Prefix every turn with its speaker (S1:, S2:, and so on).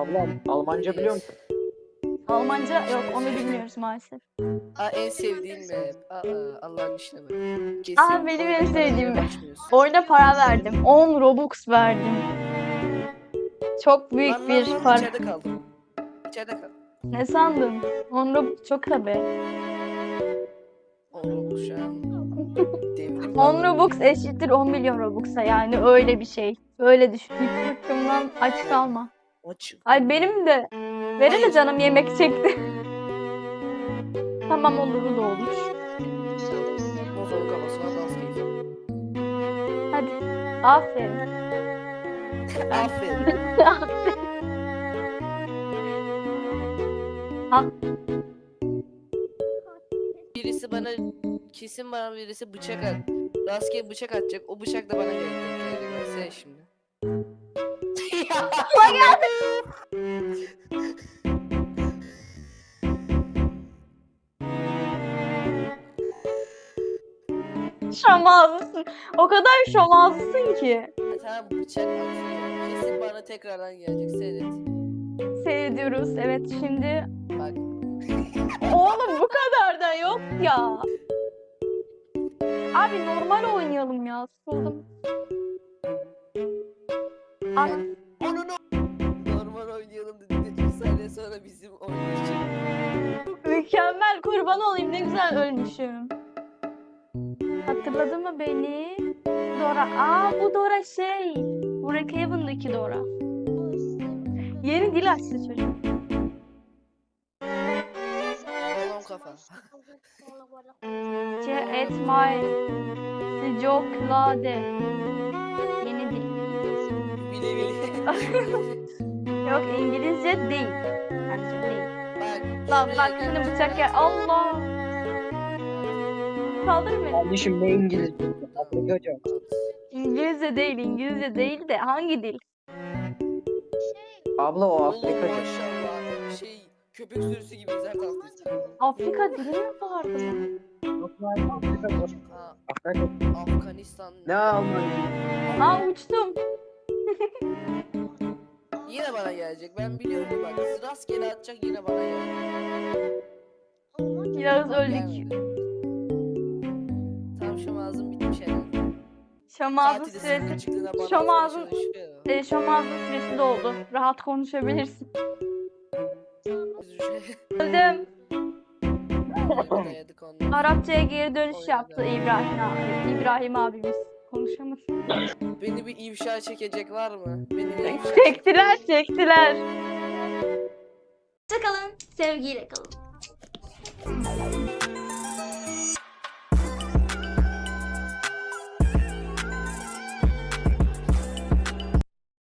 S1: Ablam Almanca biliyor musun?
S2: Almanca yok, onu bilmiyoruz maalesef.
S3: En sevdiğim map. Allah'ın işine bak.
S2: Benim en
S3: oyuna
S2: sevdiğim
S3: parayla
S2: map.
S3: başlıyorsun.
S2: Oyuna para verdim. 10 Robux verdim. Çok büyük bir para.
S3: İçeride kaldım. İçeride kaldım.
S2: Ne sandın? 10 Robux çok tabii.
S3: Oğlum şu an devrim
S2: 10 Robux eşittir 10 milyon Robux'a, yani öyle bir şey. Öyle düşün. Hiç sırtımdan aç kalma.
S3: Açık.
S2: Ay benim de. Benim de canım yemek çekti. Tamam, olur da olur.
S3: Motorun kafasına dans keyfi.
S2: Hadi. Aferin.
S3: Aferin.
S2: Al.
S3: Birisi bana kesin bana birisi bıçak at. Rastgele bıçak atacak. O bıçak da bana gelecek. Mesela şimdi.
S2: Şom ağzısın. O kadar şom ağzısın ki.
S3: Tamam bıçak atıyor. Kesin bana tekrardan gelecek. Seyret.
S2: Seyrediyoruz. Evet, şimdi.
S3: Bak.
S2: Oğlum bu kadar da yok ya. Abi normal oynayalım ya. Sıkıldım. At.
S3: Normal oynayalım dedi. 2 saniye sonra bizim oynayacak.
S2: Mükemmel, kurban olayım, ne güzel ölmüşüm. Hatırladı mı beni? Dora. Bu Dora şey. Brookhaven'daki Dora. Yeni dil açtı çocuk.
S3: Balon kafa.
S2: Et my sıcaklade. Yeni dil.
S3: Bile bile.
S2: Yok, İngilizce değil. Bence değil.
S3: Bak.
S2: Lan
S3: şuraya
S2: bak, şimdi
S3: gelecek.
S2: bıçak gel. Allah. Kaldır beni.
S1: Kardeşim ne İngilizce? Afrikaca.
S2: İngilizce değil, İngilizce değil de hangi dil?
S1: Abla o
S3: Oğlum
S1: Afrikaca.
S3: maşallah. Köpek sürüsü gibi her tarafta.
S2: Afrika dili mi vardı?
S1: Afrikaca.
S3: Ha,
S1: Afrikaca.
S3: Afganistan.
S1: Ne Almanya?
S2: Uçtum.
S3: Yine bana gelecek. Ben biliyorum bak. Rastgele atacak yine bana gelecek.
S2: Yağız
S3: Bak,
S2: öldük.
S3: gelmedi. Tam şu ağzım bitmiş herhalde.
S2: Şom ağzı
S3: Saati de
S2: süresi.
S3: sıfır çıktığına bana
S2: Şom
S3: atmaya
S2: ağzı.
S3: çalışıyor.
S2: Şom ağzı süresi doldu. Rahat konuşabilirsin. Öldüm.
S3: Dayadık ondan.
S2: Arapçaya geri dönüş yaptı İbrahim abimiz. Konuşamadı.
S3: Beni bir ifşa çekecek var mı? Beni bir ifşa
S2: Çektiler.
S4: Hoşçakalın. Sevgiyle kalın.